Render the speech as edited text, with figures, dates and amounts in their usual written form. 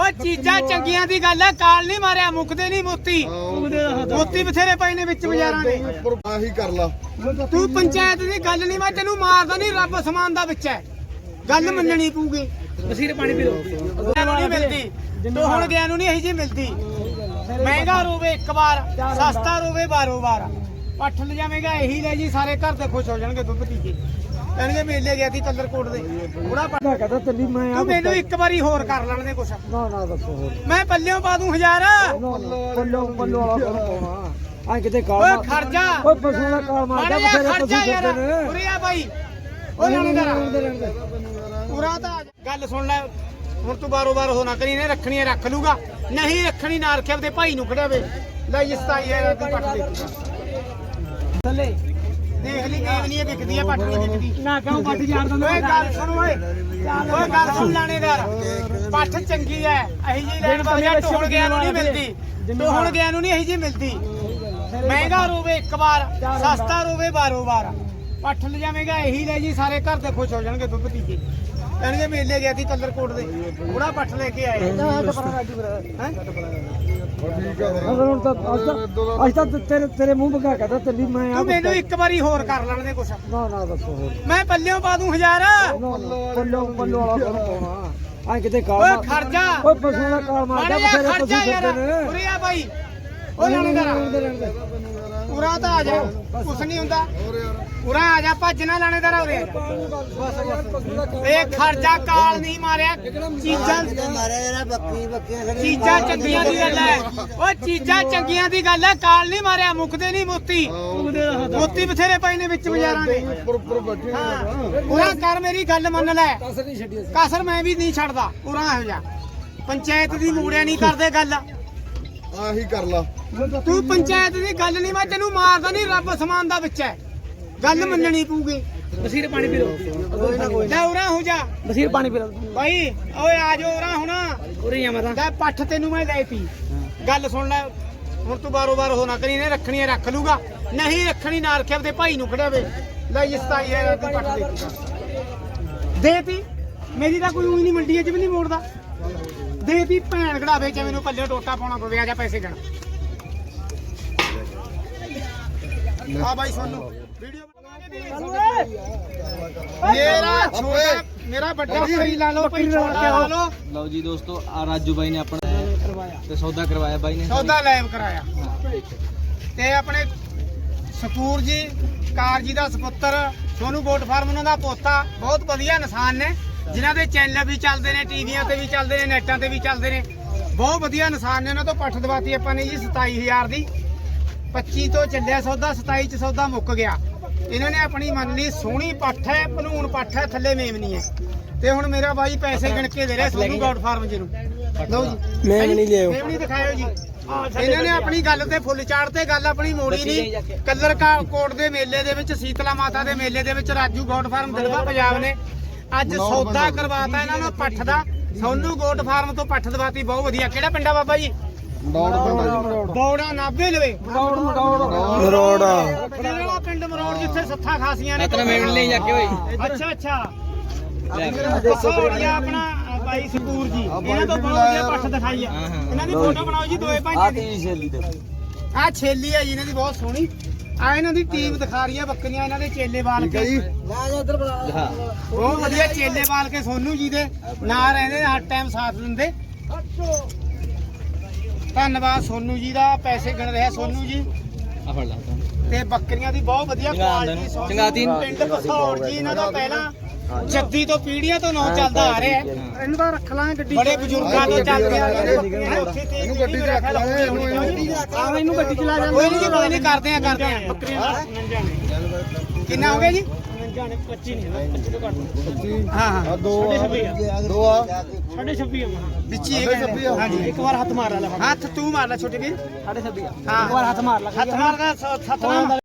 ਓਏ ਚੀਜ਼ਾਂ ਚੰਗੀਆਂ ਦੀ ਗੱਲ ਹੈ, ਕਾਲ ਨਹੀਂ ਮਾਰਿਆ, ਮੁੱਕਦੇ ਨਹੀਂ ਮੋਤੀ। ਮੋਤੀ ਬਥੇਰੇ ਪਏ ਨੇ ਵਿੱਚ ਬਾਜ਼ਾਰਾਂ ਦੇ। ਆਹੀ ਕਰ ਲਾ ਤੂੰ ਪੰਚਾਇਤ ਦੀ ਗੱਲ ਨਹੀਂ, ਮੈਂ ਤੈਨੂੰ ਮਾਰਦਾ ਨਹੀਂ, ਰੱਬ ਸਮਾਨ ਦਾ ਵਿੱਚ ਹੈ, ਗੱਲ ਮੰਨਣੀ ਪਊਗੀ। ਵਸੀਰ ਪਾਣੀ ਪੀ ਲੋ ਨਹੀਂ ਮਿਲਦੀ ਤੂੰ ਹੁਣ ਗਿਆ ਨੂੰ ਨਹੀਂ ਇਹੀ ਜੀ ਮਿਲਦੀ। ਮਹਿੰਗਾ ਰੋਵੇ ਇੱਕ ਵਾਰ, ਸਸਤਾ ਰੋਵੇ ਬਾਰੋ ਵਾਰ। ਪੱਠ ਲਿਜਾਵੇਂਗਾ ਇਹੀ ਲੈ ਜੀ, ਸਾਰੇ ਘਰ ਦੇ ਖੁਸ਼ ਹੋ ਜਾਣਗੇ ਦੁੱਧ ਪੀ ਕੇ। ਕਹਿੰਦੇ ਮੇਲੇ ਗਿਆ ਸੀ ਕਲਰਕੋਟ ਦੇ, ਬੁੜਾ ਪੱਠਾ ਕਹਦਾ ਤੱਲੀ ਮੈਂ ਤੂੰ ਮੈਨੂੰ ਇੱਕ ਵਾਰੀ ਹੋਰ ਕਰ ਲੈਣ ਦੇ ਕੁਛ। ਨਾ ਨਾ ਦੱਸੋ ਹੋਰ ਮੈਂ ਪੱਲਿਓਂ ਪਾ ਦੂੰ 1000। ਪੱਲੋ ਵਾਲਾ ਪਾਉਣਾ ਆ ਕਿਤੇ ਕਾਲ ਓਏ ਖਰਜਾ, ਓਏ ਪਸ਼ੂ ਦਾ ਕਾਲ ਮਾਰਦਾ ਬਥੇਰੇ ਪਸ਼ੂ ਫਿਰਦੇ ਨੇ। ਉਰੇ ਆ ਬਾਈ, ਓਏ ਲਾਣੇਦਾਰ ਪੂਰਾ ਤਾਂ ਗੱਲ ਸੁਣ ਲੈ ਹੁਣ। ਤੂੰ ਬਾਰੋ ਬਾਰ ਹੋ ਨਾ ਕਰੀ, ਨੇ ਰੱਖਣੀ ਹੈ ਰੱਖ ਲੂਗਾ, ਨਹੀਂ ਰੱਖਣੀ ਨਾ ਰੱਖਿਆ ਤੇ ਭਾਈ ਨੂੰ ਖੜਿਆ ਵੇ। ਲੈ ਜੀ 27000 ਦੀ ਪੱਠ ਦੇ ਥੱਲੇ ਦੇਖ ਲਈ, ਮੇਵਨੀ ਵਿਕਦੀ ਹੈ, ਪੱਠ ਨਹੀਂ ਵਿਕਦੀ ਨਾ ਕਿਉਂ ਪੱਟ ਯਾਰ ਦਾ। ਓਏ ਗੱਲ ਸੁਣ ਓਏ, ਓਏ ਗੱਲ ਸੁਣ ਲਾਣੇਦਾਰ, ਪੱਠ ਚੰਗੀ ਹੈ ਅਹੀ ਜੀ ਲੈਣ ਵਾਲੀ ਢੋਲ ਗਿਆ ਨੂੰ ਨਹੀਂ ਮਿਲਦੀ। ਤੂੰ ਹੁਣ ਗਿਆ ਨੂੰ ਨਹੀਂ ਇਹੀ ਜੀ ਮਿਲਦੀ। ਮਹਿੰਗਾ ਰੋਵੇ ਇੱਕ ਵਾਰ, ਸਸਤਾ ਰੋਵੇ ਬਾਰੋ ਵਾਰ। ਪੱਠ ਲਿਜਾਵੇਂਗਾ ਇਹੀ ਲੈ ਜੀ, ਸਾਰੇ ਘਰ ਦੇ ਖੁਸ਼ ਹੋ ਜਾਣਗੇ ਦੁੱਧ ਪੀ ਕੇ। ਕਹਿੰਦੇ ਮੇਲੇ ਗਿਆ ਸੀ ਕਲਰਕੋਟ ਦੇ, ਬੁੜਾ ਪੱਠ ਲੈ ਕੇ ਆਏ। ਹੁਣ ਤਾਂ ਅੱਜ ਤਾਂ ਤੇਰੇ ਮੂੰਹ ਬਗਾ ਕਹਦਾ ਤੱਲੀ ਮੈਂ ਤੂੰ ਮੈਨੂੰ ਇੱਕ ਵਾਰੀ ਹੋਰ ਕਰ ਲੈਣ ਦੇ ਕੁਛ। ਨਾ ਨਾ ਦੱਸੋ ਹੋਰ ਮੈਂ ਪੱਲਿਓਂ ਪਾ ਦੂੰ 1000। ਪੱਲੋ ਵਾਲਾ ਪਾਉਣਾ ਆ ਕਿਤੇ ਕਾਲ ਓਏ ਖਰਜਾ, ਓਏ ਪਸ਼ੂ ਦਾ ਕਾਲ ਮਾਰਦਾ ਬਥੇਰੇ ਪਸ਼ੂ ਫਿਰਦੇ ਨੇ। ਉਰੇ ਆ ਬਾਈ, ਓਏ ਲਾਣੇਦਾਰ ਪੂਰਾ ਤਾਂ ਆ ਜਾ, ਕੁਛ ਨਹੀਂ ਹੁੰਦਾ। ਉਰਾ ਆ ਜਾ, ਭੱਜ ਨਾ ਲਾਣੇਦਾਰ, ਉਰੇ ਆ ਜਾ। ਇਹ ਖਰਚਾ ਕਾਲ ਨਹੀਂ ਮਾਰਿਆ, ਚੀਜ਼ਾਂ ਚੀਜ਼ਾਂ ਚੰਗੀਆਂ ਦੀ ਗੱਲ ਹੈ। ਓਏ ਚੀਜ਼ਾਂ ਚੰਗੀਆਂ ਦੀ ਗੱਲ ਹੈ, ਕਾਲ ਨਹੀਂ ਮਾਰਿਆ, ਮੁੱਕਦੇ ਨਹੀਂ ਮੋਤੀ। ਮੋਤੀ ਬਥੇਰੇ ਪਏ ਨੇ ਵਿੱਚ ਬਾਜ਼ਾਰਾਂ ਦੇ। ਉਰਾ ਕਰ, ਮੇਰੀ ਗੱਲ ਮੰਨ ਲੈ, ਕਸਰ ਮੈਂ ਵੀ ਨਹੀਂ ਛੱਡਦਾ। ਉਰਾ ਇਹੋ ਜਾ ਪੰਚਾਇਤ ਦੀ ਮੂੜਿਆ ਨਹੀਂ ਕਰਦੇ ਗੱਲ। ਆਹੀ ਕਰ ਲਾ ਤੂੰ ਪੰਚਾਇਤ ਦੀ ਗੱਲ ਨਹੀਂ, ਮੈਂ ਤੈਨੂੰ ਮਾਰਦਾ ਨਹੀਂ, ਰੱਬ ਸਮਾਨ ਦਾ ਵਿੱਚ ਹੈ, ਗੱਲ ਮੰਨਣੀ ਪਊਗੀ। ਵਸੀਰ ਪਾਣੀ ਪੀ ਲੋ ਲੈ ਉਰਾ ਹੋ ਜਾ ਵਸੀਰ ਪਾਣੀ ਪੀ ਲੋ ਬਾਈ, ਓਏ ਆ ਜਾ ਉਰਾ ਹੁਣ। ਉਰੇ ਆ ਮੈਂ ਤਾਂ ਲੈ ਪੱਠ ਤੈਨੂੰ ਮੈਂ ਦੇਤੀ, ਗੱਲ ਸੁਣ ਲੈ ਹੁਣ। ਤੂੰ ਬਾਰੋ ਬਾਰ ਹੋ ਨਾ ਕਰੀ, ਨੇ ਰੱਖਣੀ ਹੈ ਰੱਖ ਲੂਗਾ, ਨਹੀਂ ਰੱਖਣੀ ਨਾ ਰੱਖਿਆ ਤੇ ਭਾਈ ਨੂੰ ਖੜਿਆ ਵੇ। ਲੈ ਜੀ 27000 ਦੀ ਪੱਠ ਦੇਤੀ। ਮੇਰੀ ਤਾਂ ਕੋਈ ਉਹੀ ਨਹੀਂ ਮੰਡੀ ਚ ਵੀ ਨਹੀਂ ਮੋੜਦਾ। ਦੇਤੀ ਭੈਣ ਘੜਾਵੇ ਚ ਮੈਨੂੰ ਪੱਲੇ ਟੋਟਾ ਪਾਉਣਾ ਪਵੇ। ਆ ਜਾ ਪੈਸੇ ਗਣ। ਆ ਬਾਈ ਸਾਨੂੰ ਵੀਡੀਓ ਮੇਰਾ ਵੱਡਾ ਸਹੀ ਲਾ ਲਓ ਭਾਈ, ਛੋਟਾ ਲਾ ਲਓ। ਲਓ ਜੀ ਦੋਸਤੋ, ਆ ਰਾਜੂ ਬਾਈ ਨੇ ਆਪਣਾ ਤੇ ਸੌਦਾ ਕਰਵਾਇਆ ਬਾਈ ਨੇ, ਸੌਦਾ ਲਾਈਵ ਕਰਾਇਆ। ਤੇ ਆਪਣੇ ਸਪੂਰ ਜੀ ਕਾਰ ਜੀ ਦਾ ਸੁਪੁੱਤਰ ਸੋਨੂ ਗੋਟ ਫਾਰਮ, ਉਹਨਾਂ ਦਾ ਪੋਤਾ, ਬਹੁਤ ਵਧੀਆ ਇਨਸਾਨ ਨੇ, ਜਿਨ੍ਹਾਂ ਦੇ ਚੈਨਲ ਵੀ ਚੱਲਦੇ ਨੇ, ਟੀਵੀਆਂ ਤੇ ਵੀ ਚੱਲਦੇ ਨੇ, ਨੈਟਾਂ ਤੇ ਵੀ ਚੱਲਦੇ ਨੇ। ਬਹੁਤ ਵਧੀਆ ਇਨਸਾਨ ਨੇ। ਉਹਨਾਂ ਤੋਂ ਪੱਠ ਦਵਾਤੀ ਆਪਾਂ ਨੇ ਜੀ 27000 ਦੀ। 25 ਤੋਂ ਚੱਲਿਆ ਸੌਦਾ, 27 ਚ ਸੌਦਾ ਮੁੱਕ ਗਿਆ। ਇਹਨਾਂ ਨੇ ਆਪਣੀ ਮੰਨ ਲਈ, ਸੋਹਣੀ ਪੱਠ ਹੈ, ਭਲੂਣ ਪੱਠ ਹੈ, ਥੱਲੇ ਮੇਮਨੀ ਹੈ। ਤੇ ਹੁਣ ਮੇਰਾ ਬਾਈ ਪੈਸੇ ਗਿਣ ਕੇ ਦੇ ਰਿਹਾ ਸੋਨੂ ਗੋਟ ਫਾਰਮ ਜੀ ਨੂੰ। ਲਓ ਜੀ ਮੇਮਨੀ ਲਿਆਓ, ਮੇਮਨੀ ਦਿਖਾਇਓ ਜੀ। ਇਹਨਾਂ ਨੇ ਆਪਣੀ ਗੱਲ ਤੇ ਫੁੱਲ ਚਾੜ ਤੇ ਗੱਲ ਆਪਣੀ ਮੋੜੀ ਨਹੀਂ। ਕਲਰ ਕੋਟ ਦੇ ਮੇਲੇ ਦੇ ਵਿੱਚ, ਸੀਤਲਾ ਮਾਤਾ ਦੇ ਮੇਲੇ ਦੇ ਵਿੱਚ ਰਾਜੂ ਗੋਟ ਫਾਰਮ ਦਿਲਵਾ ਪੰਜਾਬ ਨੇ ਅੱਜ ਸੌਦਾ ਕਰਵਾਤਾ ਇਹਨਾਂ ਨੂੰ ਪੱਠ ਦਾ। ਸੋਨੂ ਗੋਟ ਫਾਰਮ ਤੋਂ ਪੱਠ ਦਵਾਤੀ, ਬਹੁਤ ਵਧੀਆ। ਕਿਹੜਾ ਪਿੰਡਾ ਬਾਬਾ ਜੀ? ਬੌੜਾ ਨਾਭੇ ਲਵੇ ਮਰੋੜ ਜਿਹੜਾ ਪਿੰਡ ਮਰੋੜ, ਜਿੱਥੇ ਸੱਥਾਂ ਖਾਸੀਆਂ ਨੇ। ਮੇਵਣ ਲਈ ਜਾ ਕੇ ਓਏ। ਅੱਛਾ ਅੱਛਾ, ਦੱਸੋ ਆਪਣਾ ਭਾਈ ਸਪੂਰ ਜੀ, ਇਹਨਾਂ ਤੋਂ ਬਹੁਤ ਵਧੀਆ ਪੱਠ ਦਿਖਾਈ ਆ। ਇਹਨਾਂ ਦੀ ਫੋਟੋ ਬਣਾਓ ਜੀ, ਦੋਏ ਭਾਈ ਦੀ। ਆ ਛੇਲੀ ਆ ਜੀ ਇਹਨਾਂ ਦੀ, ਬਹੁਤ ਸੋਹਣੀ। ਆ ਇਹਨਾਂ ਦੀ ਟੀਮ ਦਿਖਾ ਰਹੀ ਆ ਬੱਕਰੀਆਂ, ਇਹਨਾਂ ਦੇ ਚੇਲੇ ਵਾਲ ਕੇ। ਬਹੁਤ ਵਧੀਆ ਚੇਲੇ ਵਾਲ ਕੇ ਸੋਨੂ ਜੀ ਦੇ ਨਾਲ ਰਹਿੰਦੇ, ਹਰ ਟਾਈਮ ਸਾਥ ਦਿੰਦੇ। ਧੰਨਵਾਦ ਸੋਨੂ ਜੀ ਦਾ। ਪੈਸੇ ਗਿਣ ਰਿਹਾ ਸੋਨੂ ਜੀ। ਆ ਫੜ ਲਾ ਤੇ ਬੱਕਰੀਆਂ ਦੀ ਬਹੁਤ ਵਧੀਆ ਕੁਆਲਿਟੀ। ਚੰਗਾਤੀ ਪਿੰਡ ਕਸੌੜ ਜੀ ਇਹਨਾਂ ਦਾ ਪਹਿਲਾਂ ਜੱਦੀ ਤੋਂ ਪੀੜੀਆਂ ਤੋਂ ਨਾਂ ਚੱਲਦਾ ਆ ਰਿਹਾ। ਇਹਨੂੰ ਤਾਂ ਰੱਖ ਲਾਂਗੇ ਗੱਡੀ, ਬੜੇ ਬਜ਼ੁਰਗਾਂ ਤੋਂ ਚੱਲਦੇ ਆ ਰਹੇ ਨੇ। ਇਹਨੂੰ ਗੱਡੀ ਰੱਖ ਲੈ, ਇਹਨੂੰ ਗੱਡੀ ਚਲਾ ਜਾਂਦੇ। ਕੋਈ ਨਹੀਂ ਜੀ, ਕੋਈ ਨਹੀਂ, ਕਰਦੇ ਆ ਬੱਕਰੀਆਂ ਦਾ। ਕਿੰਨਾ ਹੋ ਗਿਆ ਜੀ? 25 ਨਹੀਂ, 25 ਤੋਂ ਘੱਟ। ਹਾਂ ਹਾਂ, ਦੋ ਆ 26 ਵਿੱਚ ਹੀ ਹੈਗਾ। ਹਾਂਜੀ, ਇੱਕ ਵਾਰ ਹੱਥ ਮਾਰ ਲੈ, ਹੱਥ ਤੂੰ ਮਾਰ ਲੈ ਛੋਟੇ ਵੀਰ। 26 ਹਾਂ, ਇੱਕ ਵਾਰ ਹੱਥ ਮਾਰ ਲੈ, ਹੱਥ ਮਾਰ ਕੇ ਸਤਨਾਮ